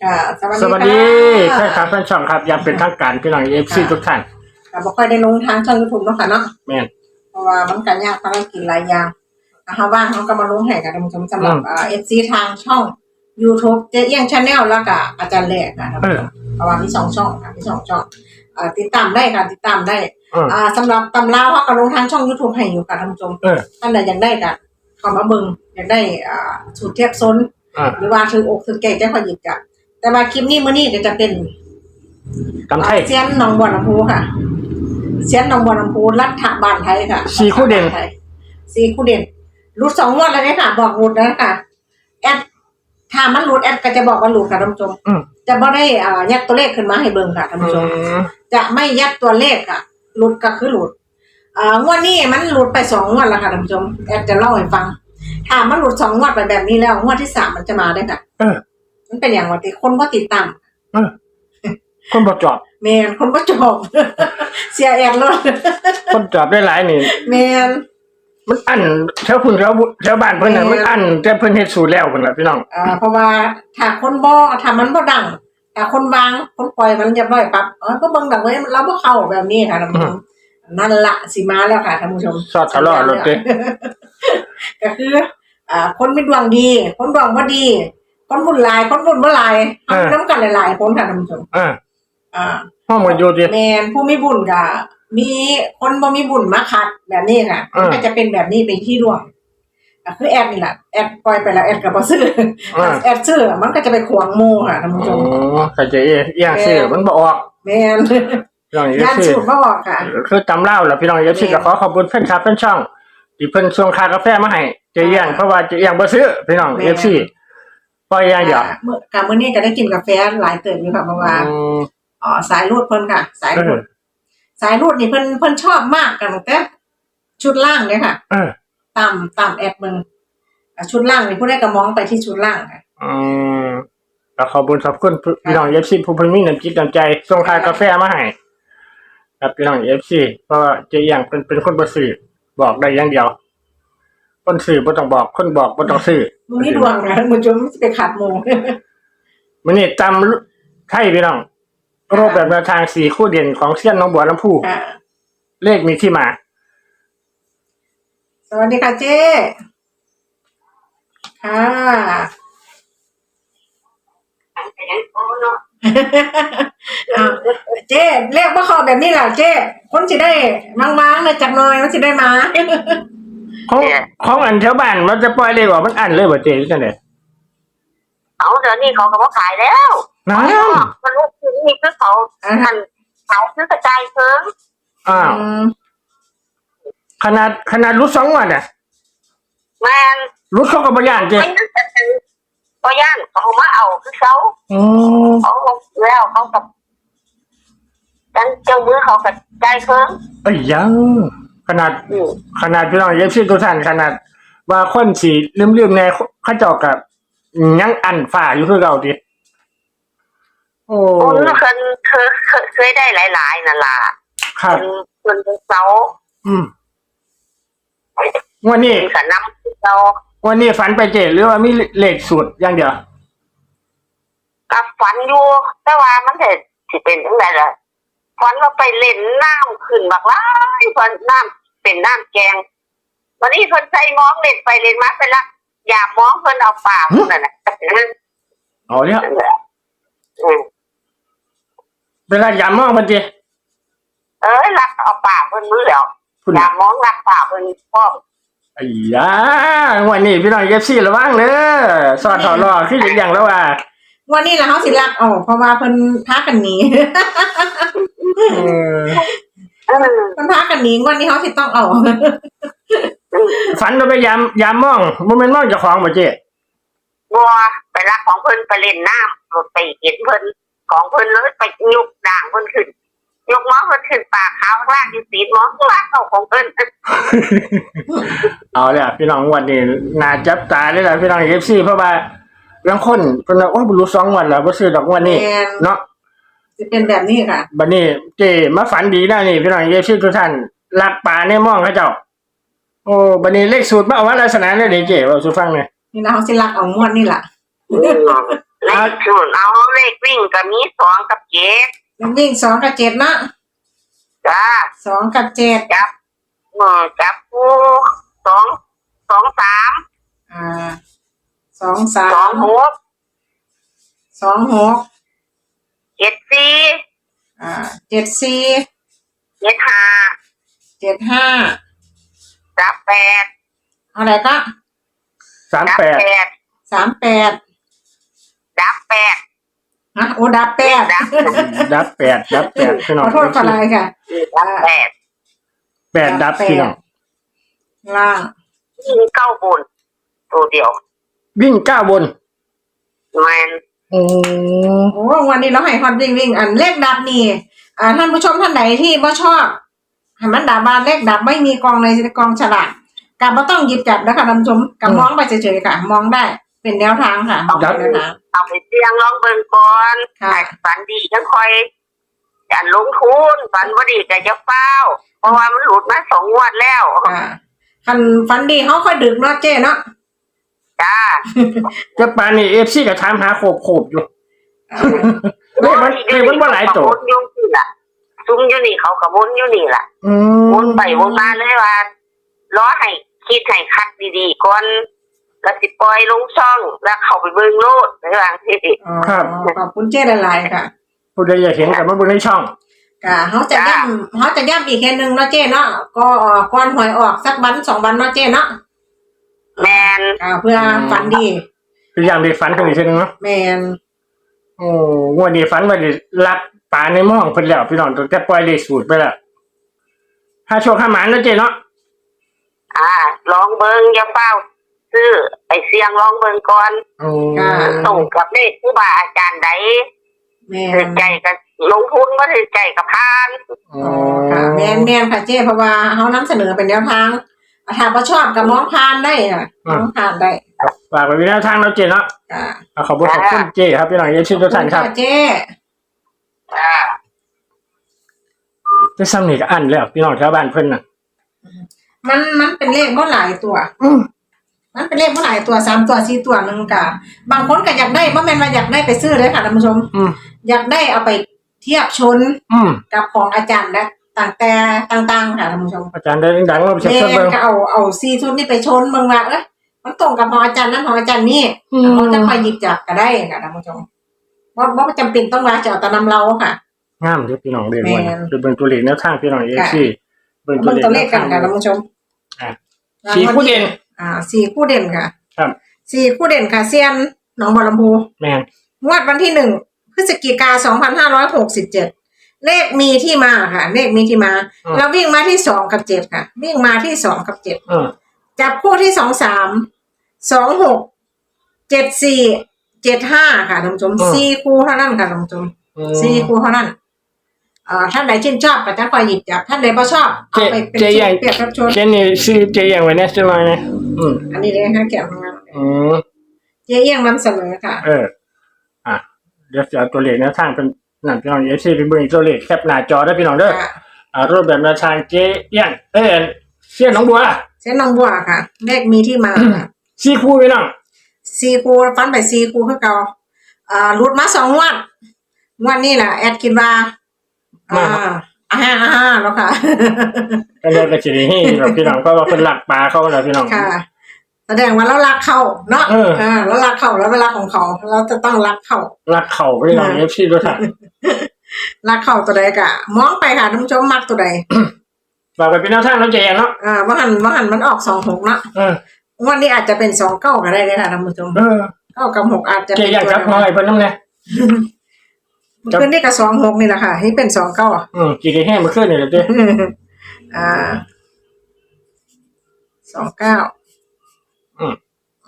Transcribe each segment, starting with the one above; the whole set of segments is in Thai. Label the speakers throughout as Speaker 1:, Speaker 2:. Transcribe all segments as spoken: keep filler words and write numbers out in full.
Speaker 1: ค่ะ
Speaker 2: สวัสดีใช่ครับท่านช่องครับยังเป็นทางการพี่น้องเอฟซีทุกท่าน
Speaker 1: ค่ะบ่ค่อยได้ลงทางช่อง YouTube เนาะค่ะเนาะ
Speaker 2: แม่น
Speaker 1: เพราะว่ามันก็ยากภารกิจหลายอย่างนะคะว่างเขาก็มาลงให้กับท่านผู้ชมสำหรับเอ่อ เอฟ ซี ทางช่อง YouTube เจ๊เอี้ยง Channel แล้วก็อาจารย์แหลกค่ะท่านผู้ชมเพราะว่ามีสองช่องค่ะมีสองช่องเอ่อติดตามได้ค่ะติดตามได้อ่าสำหรับตำราเขาก็ลงทางช่อง YouTube ให้อยู่ค่ะท่านผู้ชมท่านใดอยากได้ก็เข้ามาเบิ่งอยากได้อ่าสูตรเทียบซนหรือว่าถืออกถือแก่ใจขอหยิบจ้ะแต่ว่าคลิปนี้มื้อนี้ก็จะเป็น
Speaker 2: กำไทย
Speaker 1: เซียนหนองบัวลำพูค่ะเซียนหนองบัวลำพูรัฐบาลไทยค่ะ
Speaker 2: สี่คู่เด่น
Speaker 1: สี่คู่เด่นรูดสองงวดแล้วเนี่ยค่ะบอกรูดแล้วค่ะแอดถ้ามันรูดแอดก็จะบอกว่ารูดค่ะท่านผู้ชมจะไม่ได้อ่ายัดตัวเลขขึ้นมาให้เบิ่งค่ะท่านผู้ชมจะไม่ยัดตัวเลขค่ะรูดก็คือรูดอ่างวดนี้มันรูดไปสองงวดแล้วค่ะท่านผู้ชมแอดจะเล่าให้ฟังถ้ามันรูดสองงวดไปแบบนี้แล้วงวดที่สามมันจะมาได้ค่ะมันเป็นอย่างว่าที่คนก็ติดตาม
Speaker 2: คนบ่จอบ
Speaker 1: แมนคนบ่จอบเสียแอดเลย
Speaker 2: คนจอบได้หลายนี่
Speaker 1: แมน
Speaker 2: มันอั้นแถวพุ่นแถวแถวบ้านเพิ่นน่ะมันอั้นแต่เพิ่นเฮ็ดสูตรแล้วพุ่นล่ะพี่น้อง
Speaker 1: อ่าเพราะว่าถ้าคนบ่ถ้ามันบ่ดังถ้าคนวางคนปล่อยมันเรียบร้อยปั๊บเออก็เบิ่งดังไว้เราบ่เข้าแบบนี้ค่ะท่านผู้ชมนั่นล่ะสิมาแล้วค่ะท่านผู้ชม
Speaker 2: สอดทะเลาะรถเด้
Speaker 1: ก็คืออ่าคนมีดวงดีคนดวงบ่ดีคนบุญหลายคนบุญบ่หลายเฮานำกันหลายๆคนค่ะท่านผู้ชม
Speaker 2: อ่า
Speaker 1: อ่า
Speaker 2: ห้องมันอยู่ดิ
Speaker 1: แม่นผู้มีบุญก็มีคนบ่มีบุญมาขัดแบบนี้ค่ะมันก็จะเป็นแบบนี้เป็นที่ดวงก็คือแอดนี่แหละแอดปล่อยไปแล้วแอดก็บ่ซื้อแอดซื้อมันก็จะไปขวางโมค่ะท่านผู้ชม
Speaker 2: อ๋อเข้าใจเอียงซื้อมันบ่ออก
Speaker 1: แม่น
Speaker 2: พี่น้อง
Speaker 1: ย่านสูตรบ่ออกค่ะ
Speaker 2: คือตำเล่าล่ะพี่น้อง เอฟ ซี ก็ขอขอบคุณเพิ่นครับเพิ่นช่องที่เพิ่นส่งค่ากาแฟมาให้เจียงเพราะว่าเจียงบ่ซื้อพี่น้อง เอฟ ซี ปล่อยอย่างเดียว
Speaker 1: มื้อก็มื้อนี้ก็ได้กินกาแฟหลายเติบอยู่ค่ะเพราะว่าอ๋อสายรูดเพิ่นค่ะสายรูดสายรูดนี่เพิ่นเพิ่นชอบมากกันตั้งแต่ชุดล่างเลยค่ะ
Speaker 2: เออ
Speaker 1: ตามตามแอดมึงชุดล่างนี่ผู้ใดก็มองไปที่ชุดล่างค่ะ
Speaker 2: อืมก็ขอบคุณขอบคุณพี่น้อง เอฟ ซี ผู้เพิ่นมีน้ำจิตน้ำใจส่งค่ากาแฟมาให้ครับพี่น้อง เอฟ ซี เพราะว่าเจียงเป็นเป็นคนบ่ซื้อบอกได้อย่างเดียวคนซื้อบ่ต้องบอกคนบอกบ่ต้องซื้อ
Speaker 1: มึงนี่ดวงนะมึงจนสิไปขาดโม
Speaker 2: มื้อนี้ตำไทยพี่น้องรูปแบบแนวทางสี่คู่เด่นของเซียนหนองบัวลำพูเลขมีที่มา
Speaker 1: สวัสดีค่ะเจ๊ค่ะเจ๊เลขบ่เข้าแบบนี้ล่ะเจ๊คนสิได้มั้งๆนะจักหน่อยมันสิได้มา
Speaker 2: ของของอันแถวบ้านมันจะปล่อยเลขออกมันอันเลยบ่เจ๊จังได๋
Speaker 3: เอาเดี๋ยวนี้เขาก็บ่ขายแล้ว
Speaker 2: นั่น
Speaker 3: มันลูกนี่คือเขาอันเขาคือกระจายเพิ่ม
Speaker 2: อ้าวขนาดขนาดรุดสองวันน่ะ
Speaker 3: แม่น
Speaker 2: รุดเขาก็บ่ย่านเจ๊
Speaker 3: บ่ย่านเขามาเอาคือเขา
Speaker 2: อ๋อ
Speaker 3: เขาแล้วเขากับจังเจ้ามือเขากระจายเพิ่ม
Speaker 2: เอ้ยยังขนาดขนาดพี่น้อง เอฟ ซี ทุกท่านขนาดว่าคนสิลืมๆแน่เขาเจ้าก็ยังอันฝ่าอยู่คือเก่าติ
Speaker 3: โอ้โอ้เคยเคยเคยได้หลายๆนั่นล่ะ
Speaker 2: ครับ
Speaker 3: เพิ่นเซา
Speaker 2: อืมวันนี้
Speaker 3: สนำเซา
Speaker 2: วันนี้ฝันไปเจ๊หรือว่ามีเลขสูตรอย่างเดียว
Speaker 3: ก็ฝันอยู่แต่ว่ามันจะสิเป็นจังได๋ล่ะฝันว่าไปเล่นน้ำขึ้นบักหลายฝันน้ำเป็นน้ำแกงวันนี้เพิ่นใส่มองเล่นไปเล่นมาไปละอย่ามองเพิ่นเอาปากนั่นน่ะ
Speaker 2: อ๋อเนี่ยอืมเวลาอย่ามองเพิ่นจิ
Speaker 3: เอ้ยรักเอาปากเพิ่นมือแล้วอย่ามองรักปากเพิ่นพร้อม
Speaker 2: ไอ้ยาวันนี้พี่น้อง เอฟ ซี ระวังเด้อสอดถอดรอคืออย่างแล้วว่า
Speaker 1: วันนี้ล่ะเฮาสิรักออกเพราะว่าเพิ่นพากันหนีเออเพิ่นพากันหนีวันนี้เฮาสิต้องเอา
Speaker 2: ฝันว่าไปยามยามมองบ่แม่นมองเจ้าของบ่เจ๊
Speaker 3: บ่ไปรักของเพิ่นไปเล่นน้ำรถไปเห็นเพิ่นของเพิ่นเลยไปยกด่างเพิ่นขึ้นยกหมอเพิ่นขึ้นปากขาวล่างอยู่ตีนหมอล่างเข้าของเพิ่น
Speaker 2: เอาล่ะพี่น้องวันนี้น่าจับตาเลยล่ะพี่น้อง เอฟ ซี เพราะว่าบางคนเพิ่นว่าโอ้บ่รู้สองวันแล้วบ่ซื้อดอกวันนี้เนาะ
Speaker 1: สิเป็นแบบนี้ค่ะ
Speaker 2: บัดนี้เจ๊มาฝันดีแล้วนี่พี่น้อง เอฟ ซี ทุกท่านลักปลาในหม้องเขาเจ้าโอ้บัดนี้เลขสูตรมาเอาว่าลักษณะได้เด้เจ๊เว้าสู่ฟังหน่อย
Speaker 1: นี่นะเฮาสิรักเอาม่วนนี่ล่ะ
Speaker 3: แล้ขศูนย์เอาเลขวิ่งก็มีสองกับเจ็ด
Speaker 1: วิ่งสองกับเจ็ดเนาะ
Speaker 3: จ้า
Speaker 1: สองกับเจ็ด
Speaker 3: จับเออจับคู่สองสองสาม
Speaker 1: อ่าสองสา
Speaker 3: สอง
Speaker 1: ม
Speaker 3: หก
Speaker 1: สองหก
Speaker 3: เจ็ดสี่
Speaker 1: อ่าเจ็ดสี่
Speaker 3: เจ็ดห้า
Speaker 1: เจ็ดห้า
Speaker 3: จับแปด
Speaker 1: อะไรก็
Speaker 2: สาม
Speaker 3: จับ
Speaker 2: แปด
Speaker 3: แปด
Speaker 1: สามแปด
Speaker 3: จับแปด
Speaker 1: ฮะโอ้ดับแปด
Speaker 3: ดับ
Speaker 2: ดับแปดดับแปดพี่น้
Speaker 1: ข
Speaker 2: อง
Speaker 1: อโทษขออะไรค่ะ
Speaker 3: ดับแปด
Speaker 2: แปดดับพี่น้อง
Speaker 1: ล่าง
Speaker 3: ยิงเก้าบนตัวเดียว
Speaker 2: วิ่งเก้าบน
Speaker 3: แมน
Speaker 2: โอ้
Speaker 1: โอ้วันนี้เราให้ฮอตวิ่งวิ่งอันเลขดับนี่อ่าท่านผู้ชมท่านไหนที่บ่ชอบให้มันดับบานเลขดับไม่มีกองในกองฉลากการบ่ต้องหยิบจับนะคะท่านผู้ชมกับมองไปเฉยๆค่ะ มองได้เป็นแนวทางค่ะเป็นแนวทาง
Speaker 3: เอาไปเสี่ยงลองเบิ่งก่อน
Speaker 1: ค่ะ
Speaker 3: ฝันดีจังค่อยจะลงทุนฝันบ่ดีก็จะเฝ้า เพราะว่ามันหลุดมาสองงวดแล้ว
Speaker 1: อ่าคันฟันดีเขาค่อยดึกเนาะเจ้เนาะ
Speaker 3: จ้า
Speaker 2: จะปานนี่เอฟซีก็ถามหาโขบโขบอยู่
Speaker 1: อ่า
Speaker 2: เลขมันเลขมันบ่หลายตัว
Speaker 3: วนอยู่นี่ล่ะซุ้มอยู่นี่เขาก็วนอยู่นี่ล่ะ
Speaker 2: อืม
Speaker 3: วนไปวนมาเลยว่าล้อให้คิดให้คัดดีๆก่อนแล้วสิปล่อยลงช่องแล้วเข้าไปเบิ่งโลดในบางที
Speaker 1: อ๋อขอบคุณเจ้หลายๆค่ะ
Speaker 2: ผู้ใดอยากเห็นกับมาเบิ่งในช่อง
Speaker 1: ค่ะเขาจะย่ำเขาจะย่ำอีกแค่หนึ่งเนาะเจ้เนาะก็เอ่อก่อนหวยออกสักวันสองวันเนาะเจ้เนาะ
Speaker 3: แมน
Speaker 1: อ่าเพื่อฝันดี
Speaker 2: คืออย่างเด็กฝันกันอีกทีนึงเนาะ
Speaker 1: แมน
Speaker 2: โอ้งวดนี้ฝันว่าได้รักปลาในหม้องเพิ่นแล้วพี่น้องตั้งแต่ปล่อยเลขสูตรไปแล้วถ้าโชคข้าหมานเนาะเจ๊เนาะ
Speaker 3: อ่าลองเบิ่งอย่าเฝ้าซื้อไปเสี่ยงลองเบิ่งก่อน
Speaker 2: โอ้
Speaker 3: ตรงกับเลขครูบาอาจารย์ใด
Speaker 1: แม
Speaker 3: ถือน ใจกับลงทุนบ่ถือใจกับพาน
Speaker 2: โอ้
Speaker 1: อ๋อค่ะแมนแมนค่ะเจ้เพราะว่าเขานำเสนอเป็นแนวทางถ้าบ่ชอบกับมองผ่านได้ค่ะมองผ่านได้
Speaker 2: ฝากไว้เป็นแนวทางเนาะเจ๊เนาะ
Speaker 1: อ่า
Speaker 2: เอาขอบคุณขอบคุณเจ๊ครับพี่น้องเอฟซีทุกท่านครับ
Speaker 1: เจ้
Speaker 3: อ่า
Speaker 2: จะซ้ำนี่ก็อันแล้วพี่น้องชาวบ้านเพิ่นน่ะ
Speaker 1: มันมันเป็นเลขบ่หลายตัว
Speaker 2: อืม
Speaker 1: มันเป็นเลขบ่หลายตัวสามตัวสี่ตัวหนึงกะบางคนก็อยากได้บ่แม่นว่าอยากได้ไปซื้อเลยค่ะท่านผู้ชม
Speaker 2: อืม
Speaker 1: อยากได้เอาไปเทียบชน
Speaker 2: อืม
Speaker 1: กับของอาจารย์และต่างแต่ต่างๆค่ะท่านผู้ชม
Speaker 2: อาจารย์ได้ดังๆเราไปเช็ค
Speaker 1: แม่
Speaker 2: เบิ่ง
Speaker 1: ก็เอาเอาซีชุดนี่ไปชนเมืองว่าเอ้ยมันตรงกับของอาจารย์นั้นของอาจารย์นี่
Speaker 2: อืม
Speaker 1: เขาจะไปหยิบจับก็ได้ค่ะท่านผู้ชมว่าว่าจำเป็นต้องมาจะเอาแตะนำเราค่ะ
Speaker 2: งามเด้อพี่น้องเด้อ
Speaker 1: แม่
Speaker 2: วัน
Speaker 1: น
Speaker 2: คือเบิ่งตัวเลขแนวทางพี่น้องเอฟซีเบิ่งตั
Speaker 1: เบิ่
Speaker 2: ว
Speaker 1: ง
Speaker 2: เลข
Speaker 1: ตัวเลขกันค่ะท่านผู้ชม
Speaker 2: อ่ะสี่คู่เด่น
Speaker 1: อ่าสี่คู่เด่นค่ะ
Speaker 2: ครับ
Speaker 1: สี่คู่เด่นค่ะเซียนหนองบัวลำพู
Speaker 2: แม่น
Speaker 1: งวดวันที่หนึ่งพฤศจิกาสองพันห้าร้อยหกสิบเจ็ดเลขมีที่มาค่ะ เลขมีที่มา เราวิ่งมาที่สองกับเจ็ดค่ะ วิ่งมาที่สองกับเจ็ด
Speaker 2: อืม
Speaker 1: จับคู่ที่สองสามสองหกเจ็ดสี่เจ็ดห้าค่ะท่านผู้ชมสี่คู่เท่านั้นค่ะท่านผู้ชม
Speaker 2: อืม
Speaker 1: สี่คู่เท่านั้นเอ่อท่านใดชื่นชอบก็จะคอยหยิบจับท่านใดไม่ชอบเอาไปเป็น
Speaker 2: เจ๊
Speaker 1: ชุ
Speaker 2: ใหญ่
Speaker 1: ดเปรียบรับชน
Speaker 2: เจนนี่ชื่อเจ๊อย่างไว้แน่จังหน่อยนะอืม
Speaker 1: อันนี้เลยค่ะแก้วของเรา
Speaker 2: อืม
Speaker 1: เจ๊เอี้ยงนำเสนอค่ะ
Speaker 2: เออ อ่ะ เดี๋ยวจะเอาตัวเลขแนวทางเป็นนั่นพี่น้องเอฟซีไปเบิ่งตัวเลขแคปหน้าจอได้พี่น้องเด้อ
Speaker 1: ค่ะ
Speaker 2: อ่ารูปแบบแนวทางเจ๊เอี้ยงเอ้ยเสี้ยนหน้องบัว
Speaker 1: เส้นน้องบัวค่ะ เลขมีที่มาค่ะ
Speaker 2: สี่คู่พี่น้อง
Speaker 1: สี่คู่ฟันไปสี่คู่คือเก่าอ่าหลุดมาสองงวดงวดนี้แหละแอดคิดว่าอ่าอ่าฮะอ่าฮะแล้วค่ะ
Speaker 2: ก็เลยกระชินให้แบบพี่น้องเพราะว่าเป็นหลักปลาเขาแล้วพี่น้อง
Speaker 1: ค่ะ แสดงว่าเรารักเขาเนาะ
Speaker 2: เออ
Speaker 1: อ่าเรารักเขาแล้วเวลาของเขาเราจะต้องรักเขา
Speaker 2: หลักเข่าพี่น้องเอฟซีด้วยค่ะ
Speaker 1: รักเขาตัวใดกะมองไปค่ะท่านผู้ชมมักตัวใด
Speaker 2: ฝากไปเป็นแนวทางแล้วเจ๊เนาะ
Speaker 1: อ่าว่าหันว่าหันมันออกสองหกเนาะ
Speaker 2: เออ
Speaker 1: งวันนี้อาจจะเป็นสองเก้าก็ได้เลยค่ะท่านผู้ชม
Speaker 2: เออ
Speaker 1: เก้ากับหกอาจจะ
Speaker 2: เจ๊
Speaker 1: เป็น
Speaker 2: อยาก
Speaker 1: ตัว
Speaker 2: จับ
Speaker 1: เดียว
Speaker 2: น้อยเพิ่นน้ำเนี่ย
Speaker 1: ขึ้นนี่กับสองหกนี่แหละค่ะนี่เป็นสองเก้า
Speaker 2: อืมกี่แห้งมาขึ้นนี่แหละเจ๊
Speaker 1: อ่าสองเก้า
Speaker 2: อืม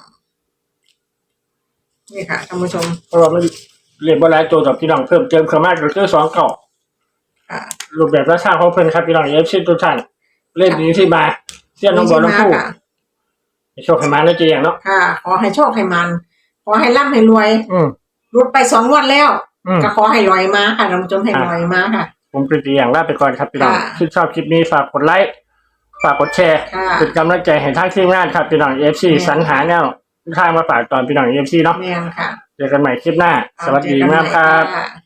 Speaker 1: นี่ค่ะท่านผู้ชม
Speaker 2: เพราะว่ามันเรียนบรายตัวกับพี่น้องเพิ่มเติมเข้ามาก็คือสองเก่า
Speaker 1: อ่า
Speaker 2: รูปแบบและสร้างของเพิ่นครับพี่น้องเอฟซีทุกท่านเล่นดีที่มาเสี้ยนน้องบัวน้องผู้
Speaker 1: ค่ะ
Speaker 2: โชคให้มาแล้วเจ๊อย่างเนาะ
Speaker 1: ค่ะ ขอให้โชคให้มัน ขอให้ร่ำให้รวย
Speaker 2: อืม
Speaker 1: รุดไปสองงวันแล้ว
Speaker 2: อืม
Speaker 1: ก็ขอให้ลอยมาค่ะท่านผู้ชมให้ลอยมาค่ะ
Speaker 2: ผมเป็นตัวอย่างลาไปก่อนครับพี่น้อง
Speaker 1: ค่ะ
Speaker 2: ถ้าชอบคลิปนี้ฝากกดไลค์ฝากกดแชร์
Speaker 1: ค่ะ
Speaker 2: เป็นกำลังใจให้ทางทีมงานครับพี่น้องเอฟซี
Speaker 1: ค่ะ
Speaker 2: สรรหาแนวทางมาฝากตอนพี่น้องเอฟซีเนาะ
Speaker 1: แม่นค่ะ
Speaker 2: จะเจอกันใหม่คลิปหน้า สวัสดีมากครับ
Speaker 1: เจอกันใหม่ะ